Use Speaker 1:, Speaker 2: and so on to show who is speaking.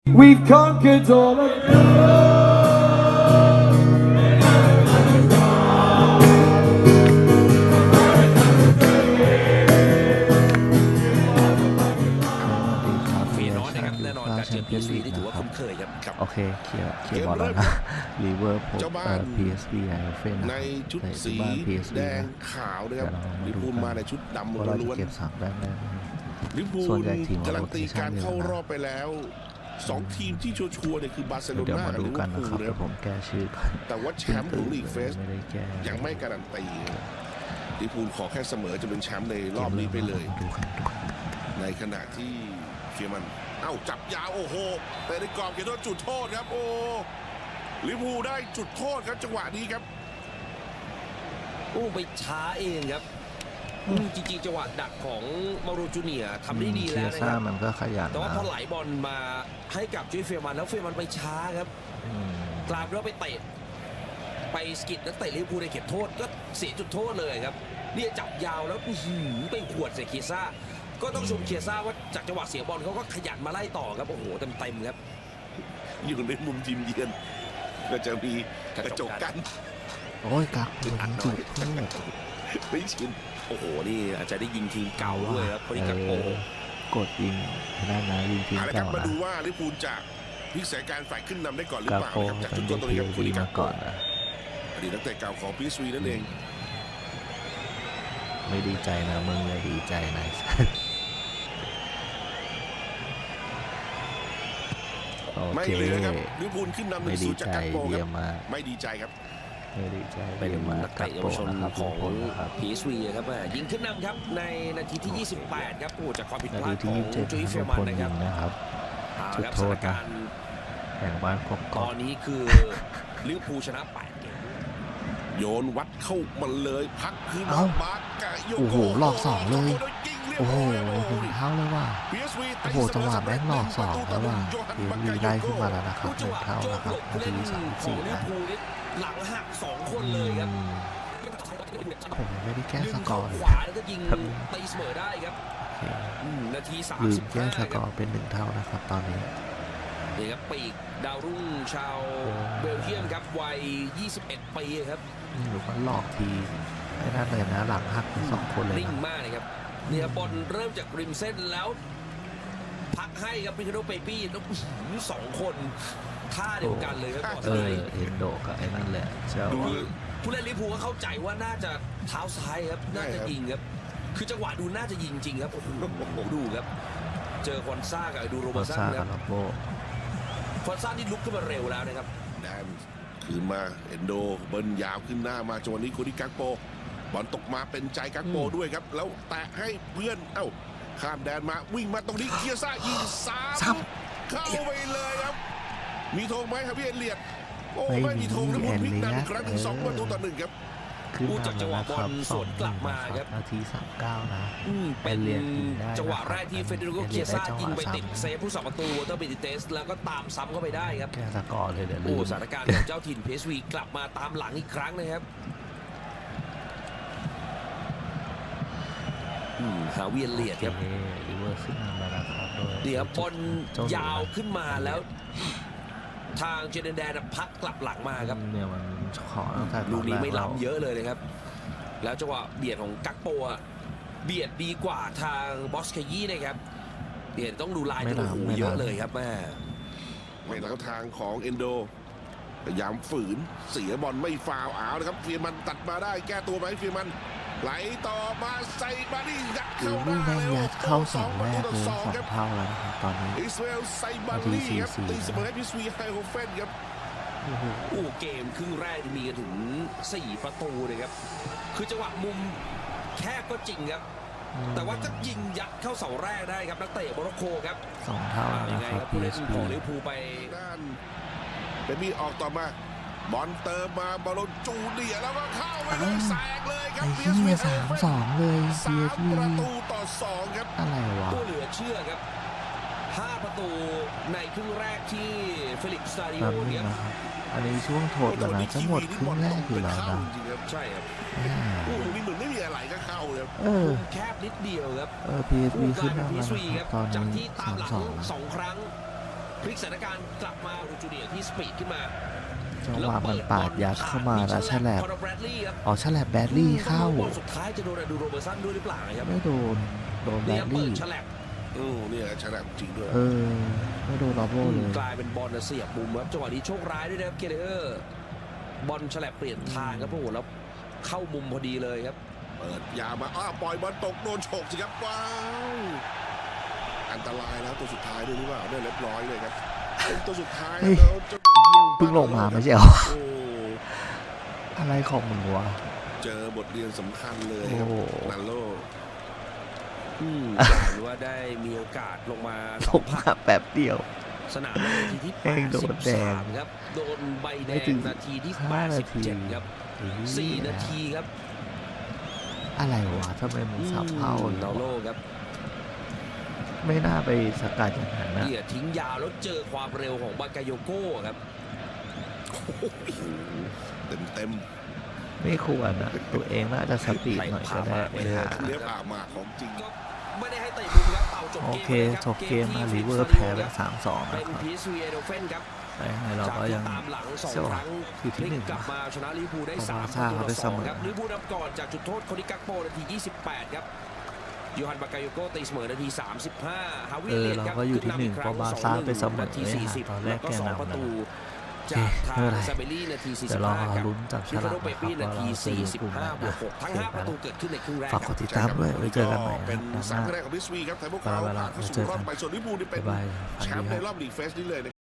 Speaker 1: We've conquered all of love.
Speaker 2: มีน้อยนะครับแน่นอนการเจอ PSV ที่ถือว่าคุ้นเคยครับ
Speaker 3: โอเคเคลียร์บอลแล้วนะลิเวอร์พูลPSV ไอเฟน
Speaker 4: ในชุดสีแดงขาวนะครับลิเวอร์พูลมาในชุดดำล้วน
Speaker 3: เก็บ3แต้มได้
Speaker 4: ลิเวอร์พูลการันตีการเข้ารอบไปแล้ว2ทีมที่ชัวร์ๆเนี่ยคือบาร์เซโลนากับลิเวอร์พูลนะครับ
Speaker 3: ผมแก้ชื่อก่อน
Speaker 4: แต่ว่าแชมป์ของลีกเฟสยังไม่การันตีลิเวอร์พูลขอแค่เสมอจะเป็นแชมป์ในรอบนี้ไปเลยในขณะที่เฟียมันจับยาวโอ้โหแต่ในกรอบเขียนว่าจุดโทษครับโอ้ลิเวอร์พูลได้จุดโทษครับจังหวะนี้ครับ
Speaker 2: ไปช้าเองครับจริงๆจังหวะดักของมารูจูเนียทำได้ดีแล้วนะครับ
Speaker 3: มันก็ขยัน
Speaker 2: แต่ว่าพอไหลบอลมาให้กับจุ้ยเฟียมันแล้วเฟียมันไปช้าครับกลายเป็นว่าไปเตะไปสกิดนักเตะลิเวอร์พูลในเขตโทษก็เสียจุดโทษเลยครับเนี่ยจับยาวแล้วไปขวดใส่เคียซ่าก็ต้องชมเคียซ่าว่าจากจังหวะเสียบอลเขาก็ขยันมาไล่ต่อครับโอ้โหเต็มครับ
Speaker 4: อยู่ในมุมทีมเยือนก็จะมีกระจกกัน
Speaker 3: โอ้ยกักจุดโทษ
Speaker 4: ไม่ชิน
Speaker 2: โอ้โหนี่อาจจะได้ยิงทีมเก่าด้วยครับคนนี้กักโป
Speaker 3: กดยิงได้นะยิงทีมเก่า
Speaker 4: นะมาดูว่าลิเวอร์พูลจะพลิกสถานการณ์ฝ่ายขึ้นนำได้ก่อนหรือเปล่าครับจากจุดตัวนี้ครับคนนี้กักก่อนอดีตนักเตะเก่าของพีซวีนั่นเอง
Speaker 3: ไม่ดีใจนะมึงเลยดีใจนะ
Speaker 4: ไม่เลยครับลิเวอร์พูลขึ้นนำ1-0จากกักโปครับไม่ดีใจครับ
Speaker 3: ไม่ดีใจ
Speaker 2: เป็นนักเตะเยาวชนของ PSV ครับยิงขึ้นนำครับในนาทีที่28ครับจากความผิดพลาดของจุ้ยเฟียมัน
Speaker 3: นะครับจุดโทษนะแห่งบ้านก
Speaker 2: ตอนนี้คือลิเวอร์พูลชนะ8เกม
Speaker 4: โยนวัดเข้ามาเลยพักคืนมา
Speaker 3: โอ้โหหลอก2เลยโอ้โหถึงเท่าเลยว่ะโอ้โหจังหวะแม่งหลอก2แล้วว่ะPSVได้ขึ้นมาแล้วนะครับ1เท่านะครับนาที34นะ
Speaker 2: หลังหัก2คนเลยครับ
Speaker 3: ผมไม่ได้แก้สกอร์
Speaker 2: ขวาแล้วก็ยิงตีเสมอได้ครับนาที35
Speaker 3: ลืมแก้สกอร์เป็น1เท่านะครับตอนนี้
Speaker 2: นี่ครับปีกดาวรุ่งชาวเบลเยียมครับวัย21ปีครับ
Speaker 3: หรือว่าหลอกทีไอ้นั่นเลยนะหลังหัก2คนเลย
Speaker 2: นิ่งมากเลยครับเนี่ยบอลเริ่มจากริมเส้นแล้วพักให้ครับพิคโดเปปี้แล้ว2คนท่าเดียวกันเลยครับ
Speaker 3: เอ็นโดกับไอ้นั่นแหละ
Speaker 2: ดูผู้เล่นลิเวอร์พูลก็เข้าใจว่าน่าจะเท้าซ้ายครับน่าจะยิงครับคือจังหวะดูน่าจะยิงจริงครับโอ้โหดูครับเจอคอนซ่ากับดูโรเบอร์สันครับคอนซ่านี่ลุกขึ้นมาเร็วแล้วนะครับ
Speaker 4: แดนคืนมาเอ็นโดเบิ้ลยาวขึ้นหน้ามาจังหวะนี้คนที่กักโปบอลตกมาเป็นใจกักโปด้วยครับแล้วแตะให้เพื่อนข้ามแดนมาวิ่งมาตรงนี้เคียซ่ายิงซ้ำเข้าไปเลยครับมีธงไหมครับพี่เอเลียดโอ้ไม่มีธงแล้วพูดพลิกนำอีกครั้งถึง2-1ครับ
Speaker 2: พูดจากจังหวะบอลสวนกลับมาครับ
Speaker 3: นาที39นะ
Speaker 2: เป็นจังหวะแรกที่เฟเดริโกเคียซ่ายิงไปติดเซฟผู้สับประตูวอเตอร์เบติเตสแล้วก็ตามซ้ำเข้าไปได้ครับ
Speaker 3: แก้สกอร์เลยเดี๋ยว
Speaker 2: สถานการณ์ของเจ้าถิ่น PSV กลับมาตามหลังอีกครั้งนะครับหาเวียนเลียดครับ
Speaker 3: ลิเวอร์ขึ้นมาแล้วครับ
Speaker 2: เดี๋ยวบอลยาวขึ้นมาแล้วทางเจเนแดนพักกลับหลังมาครับ
Speaker 3: เนี่ยมันขอ
Speaker 2: ลูกนี้ไม่ล้ำเยอะเลยนะครับแล้วจังหวะเบียดของกักโปเบียดดีกว่าทางบอสเคยี่นะครับเบียดต้องดูลายตัวหูเยอะเลยครับแม่
Speaker 4: ไม่แล้วทางของเอนโดพยายามฝืนเสียบอลไม่ฟาวนะครับเฟียมันตัดมาได้แก้ตัวไหมเฟียมันไหลต่อมาใส่บาดี้ยัดเข้าได้
Speaker 3: เข้า2แรกเลย2เท่าแล้วนะครับตอนนี้
Speaker 4: อิสราเอลไซบาดี้ครับตีเสมอให้พีซวีไฮโฮเฟนครับ
Speaker 2: เกมครึ่งแรกมีถึง4ประตูเลยครับคือจังหวะมุมแคบก็จริงครับแต่ว่าจะยิงยัดเข้าเสาแรกได้ครับนักเตะโมร็อกโกครับ
Speaker 3: 2เท่านะครับ
Speaker 2: ผู้เล่นของลิเวอร์พูลไป
Speaker 4: ด้านเป็นมีออกต่อมาบอลเติมมาบอลจูเนียแล้วก็เข้าไปเลยแซงเลยครับ
Speaker 3: พีเอสวี3-2เลย
Speaker 4: 3ประตูต่อ2ครับ
Speaker 3: อะไรวะ
Speaker 2: ตัวเหลือเชื่อครับ5ประตูในครึ่งแรกที่เฟลิกซ์ซาดิโอเนี่ย
Speaker 3: อันนี้ช่วงโทษแล้วนะจะหมดครึ่งแรกอยู่แล้วนะ
Speaker 4: ใช่ครับโอ้โหนี่เหมือนไม่มีอะไรก็เข้าเลย
Speaker 2: แคบนิดเดียวครับ
Speaker 3: PSV ขึ้นมาแล้ว
Speaker 2: ตอนนี้จากที่ตามหลัง2ครั้งพลิกสถานการณ์กลับมาอูจูเนียร์ที่สปีดขึ้นมา
Speaker 3: จังหวะมันปาดยัดเข้ามาแล้วฉลับ
Speaker 2: คอนอร์แบรดลีย์ครับ
Speaker 3: อ๋อฉลับแบดลี่เข้า
Speaker 2: บอลสุดท้ายจะโดนอดูโรเบอร์สันด้วยหรือเปล่าครับ
Speaker 3: ไม่โดนแบ
Speaker 2: นี่
Speaker 3: ด
Speaker 2: เปิ
Speaker 3: ลี่
Speaker 2: ดฉลับ
Speaker 4: เนี่ยฉลาดจริงด้วย
Speaker 3: ไม่โดนลอโบเลย
Speaker 2: กลายเป็นบอลเสียบมุมครับจังหวะนี้โชคร้ายด้วยนะครับเกเรอร์บอลฉลับเปลี่ยนทางครับโอ้โหแล้วเข้ามุมพอดีเลยครับ
Speaker 4: เปิดยาวมาปล่อยบอลตกโดนฉกสิครับว้าวอันตรายแล้วตัวสุดท้ายด้วยหรือเปล่าเนี่ยเรียบร้อยเลยครับเป็นตัวสุดท้ายแล้วเจ้า
Speaker 3: เพิ่งลงมาไม่ใช่เหรอ
Speaker 4: โอ้
Speaker 3: อะไรของมึงวะ
Speaker 4: เจอบทเรียนสำคัญเลย
Speaker 3: โอ้
Speaker 4: ครับ
Speaker 3: โห
Speaker 4: นันโล
Speaker 2: กลายเป็นว่าได้มีโอกาสลงมา
Speaker 3: ลงมาแป๊บเดียว
Speaker 2: สนามในนาทีที่
Speaker 3: แม่งโดนแดง
Speaker 2: 83ครับโดนใบแด
Speaker 3: ไม่
Speaker 2: ง
Speaker 3: ถึง
Speaker 2: นาทีที่
Speaker 3: 5 นาที
Speaker 2: 87ครับ4 นาทีครับ
Speaker 3: อะไรวะทำไมมึงสับเผ่า
Speaker 2: นาโลครับ
Speaker 3: ไม่น่าไปสกัดอย่างนั้นนะ
Speaker 2: เหยียดทิ้งยาวแล้วเจอความเร็วของบากาโยโก้ครับ
Speaker 4: เต็ม
Speaker 3: ไม่ควรนะตัวเองน่าจะสปีดหน่อยก็ได้
Speaker 2: ไม่
Speaker 3: เอ
Speaker 2: หา
Speaker 3: อ
Speaker 4: ๆเลี้ยบหมากของจริง
Speaker 2: ก็ไม่ได้ให้เตะมุมครับเป่าจบ
Speaker 3: โอ
Speaker 2: เกม
Speaker 3: เค
Speaker 2: ลยรับ
Speaker 3: จบเกมมา
Speaker 2: ที่
Speaker 3: ลิเวอร์
Speaker 2: ฟิ
Speaker 3: แพ้
Speaker 2: น
Speaker 3: ไป
Speaker 2: ครับ
Speaker 3: 3-2
Speaker 2: เป็
Speaker 3: นะ
Speaker 2: น
Speaker 3: ครับ
Speaker 2: พีซวีเอโดเฟนครับ
Speaker 3: แต่ยังไงเรา
Speaker 2: จาก
Speaker 3: ก็
Speaker 2: ที่
Speaker 3: ยัง
Speaker 2: ตามหลัง2
Speaker 3: เชื่อ
Speaker 2: ครั้ง
Speaker 3: อยู่ที่
Speaker 2: พลิ
Speaker 3: หนึ่
Speaker 2: ก
Speaker 3: ง
Speaker 2: กลับมาชนะลิเวอร์พูลได้
Speaker 3: เพราะ
Speaker 2: 3
Speaker 3: บาร์ซ่าเขาไปเสมอ
Speaker 2: ครับลิเวอร์พูลนำก่อนจากจุดโทษโคนิกักโปนาที28ครับยูฮันบากาโยโก้ตีเสมอนาที35ฮาวิเลียนครับ
Speaker 3: เราก็อยู่ที่หนึ่ง
Speaker 2: ขึ้นนำอีกครั้ง
Speaker 3: เพราะบาร์ซ่าไปเสมอ
Speaker 2: นาที
Speaker 3: เลยฮะ
Speaker 2: 40
Speaker 3: ตอนแรก
Speaker 2: ล้วก็
Speaker 3: แกนำ
Speaker 2: 2 ประตู
Speaker 3: โอเค
Speaker 2: จากทา
Speaker 3: ไม่
Speaker 2: ง
Speaker 3: เป็นไร
Speaker 2: ซาเบลลี่นาที
Speaker 3: เดี๋ยวเรา
Speaker 2: 45ครับ
Speaker 3: ลุ้นจับฉ
Speaker 2: ฟิ
Speaker 3: ลา
Speaker 2: โด
Speaker 3: ก
Speaker 2: เป
Speaker 3: นะครั
Speaker 2: ปี้
Speaker 3: บ
Speaker 2: นา
Speaker 3: ว่า
Speaker 2: ที
Speaker 3: เราจะอยู่กลุ่มไหน
Speaker 2: 45บว
Speaker 3: นะ
Speaker 2: ก6ทั้ง 5 ประตูเกิดขึ้นในครึ่งแรก
Speaker 3: ฝาก
Speaker 2: ค
Speaker 3: ก
Speaker 2: รับ
Speaker 3: ดติดตามด้วยไว้เจอกันใหม่นะ
Speaker 4: เป็น
Speaker 3: ครับ
Speaker 4: 3คะแนนของพิสวีครับไทยพวกเขาผ่านเข้าสู่รอบไปส่วนลิเวอร์พูลนี่เป็น
Speaker 3: บ๊ายบาย
Speaker 4: แชมป์ใน
Speaker 3: ฝันดีครับ
Speaker 4: รอบลีกเฟสนี้เลย